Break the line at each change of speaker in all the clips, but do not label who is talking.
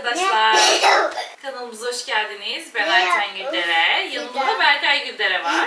arkadaşlar. Kanalımıza hoş geldiniz. Ben Ayten Güldere. Yanımda da Berkay Güldere var.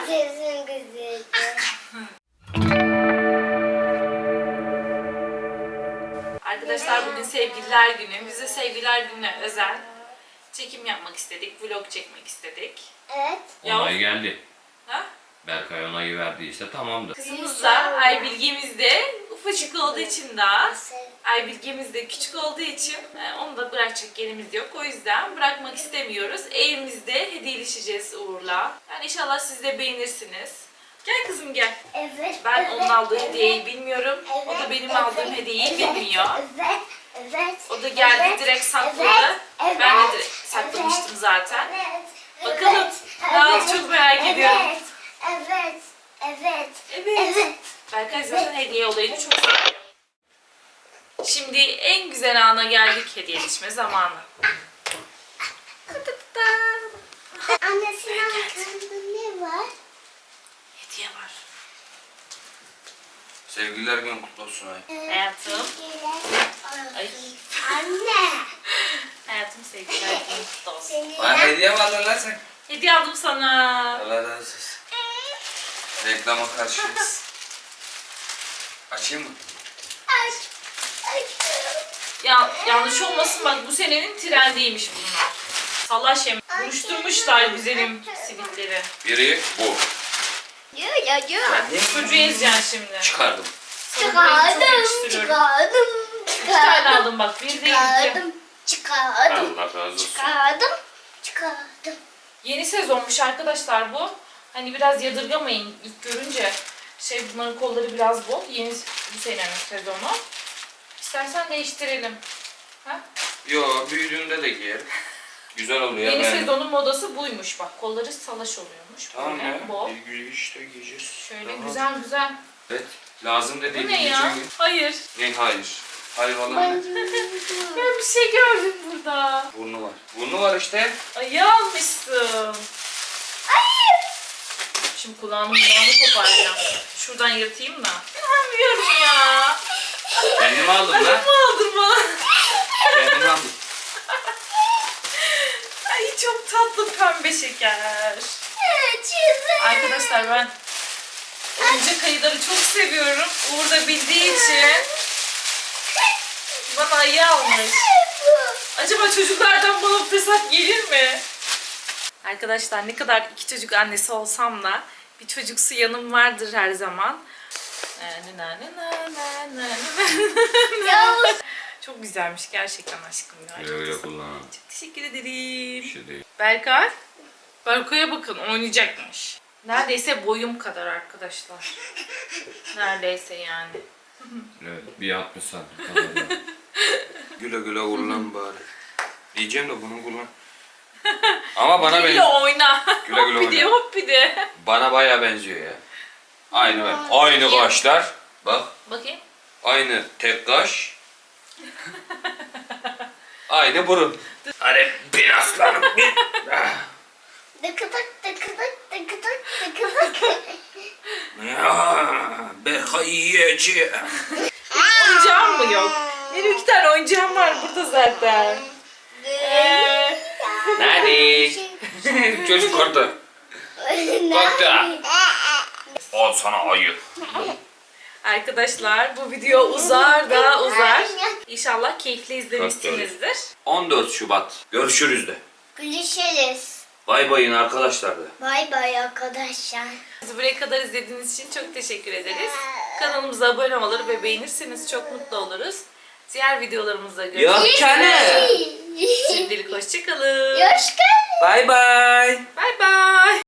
Arkadaşlar bugün sevgililer günü. Biz de sevgililer gününe özel çekim yapmak istedik. Vlog çekmek istedik.
Evet.
Onay geldi.
Ha?
Berkay onayı verdiyse tamamdır.
Kızımız da Aybilgemiz de ufacık olduğu için daha Aybilgemiz de küçük olduğu için onu da bırakacak yerimiz yok. O yüzden bırakmak istemiyoruz. Evimizde hediyeleşeceğiz Uğur'la. Yani inşallah siz de beğenirsiniz. Gel kızım gel.
Evet.
Ben onun aldığı hediyeyi bilmiyorum. O da benim aldığım hediyeyi bilmiyor.
Evet. Evet.
O da geldi direkt sakladı. Ben de direkt saklamıştım zaten.
Evet.
Bakalım. Daha çok merak ediyorum.
Evet. Evet.
Evet. Berkay zaten hediye olayını çok seviyor. Şimdi en güzel ana geldik, hediyeleşme zamanı.
Annesinin arkasında ne var?
Hediye var.
Sevgililer günü kutlu olsun ay.
Hayatım. Ay.
Anne.
Hayatım sevgiler günün kutlu olsun.
Bana hediye mi aldın lan sen?
Hediye aldım sana.
Allah razı olsun. Reklama karşıyız. Açayım mı?
Aç.
Ya yanlış olmasın bak, bu senenin trendiymiş bunlar. Salaş yem. Buruşturmuşlar güzelim sivitleri.
Biri bu.
Çocuğu ezeceksin şimdi.
Çıkardım.
Sana burayı çok yakıştırıyorum. İki tane aldım bak. Bir değil iki.
Çıkardım.
Allah razı olsun.
Çıkardım.
Yeni sezonmuş arkadaşlar bu. Hani biraz yadırgamayın ilk görünce. Bunların kolları biraz bol. Yeni bu senenin sezonu. İstersen değiştirelim. Ha?
Yo, büyüdüğünde de giyerim. Güzel oluyor.
Yeni
ben...
sezonun modası buymuş bak. Kolları salaş oluyormuş.
Tamam
Böyle
ya.
bol.
İşte giyeceğiz.
Şöyle
Tamam.
güzel güzel.
Evet. Lazım
Bu
dediğim
ne ya?
geçen gün.
Hayır.
Ne hayır? Hayır falan ne?
Ben bir şey gördüm burada.
Burnu var. Burnu var işte.
Ayı almışsın. Şimdi kulağını koparacağım. Şuradan yırtayım da. Bilmiyorum ya.
Kendim aldım lan.
Ayı mı aldın bana?
Kendim aldım.
Ay çok tatlı pembe şeker. Arkadaşlar ben oyuncak ayıları çok seviyorum. Uğur da bildiği için bana ayı almış. Acaba çocuklardan bana fırsat gelir mi? Arkadaşlar ne kadar iki çocuk annesi olsam da bir çocuksu yanım vardır her zaman. Çok güzelmiş gerçekten aşkım ya.
Öyle kullan.
Çok teşekkür ederim.
Bir şey değil.
Berkay. Berkay'a bakın, oynayacakmış. Neredeyse boyum kadar arkadaşlar. Neredeyse yani.
Evet, bir 60 santim kadar. Güle güle kullan bari. Diyeceğim de bunu kullan. Ama bana
Güle
benziyor.
oyna.
Güle güle
Hop bir de
oyna.
hop bir de.
Bana bayağı benziyor ya. Aynı ben. Aynı kaşlar. Bak.
Bakayım.
Aynı tek kaş. Aynı burun. Hadi bin aslanım bin.
Dıkıdık dıkıdık dıkıdık dıkıdık.
Ya, Berkay yiyeceğim.
Oyuncağım mı yok? Benim 2 tane oyuncağım var burada zaten.
Nerede? Çocuk korktu. Korktu. Al sana ayı.
Arkadaşlar bu video uzar da uzar. İnşallah keyifli izlemişsinizdir.
14 Şubat. Görüşürüz de.
Görüşürüz.
Bay bayın arkadaşlar da.
Bay bay arkadaşlar.
Bizi buraya kadar izlediğiniz için çok teşekkür ederiz. Kanalımıza abone olur ve beğenirseniz çok mutlu oluruz. Diğer videolarımızda görüşürüz.
Yok canım.
Şimdilik hoşçakalın.
Hoş geldin.
Bay bay.
Bay bay.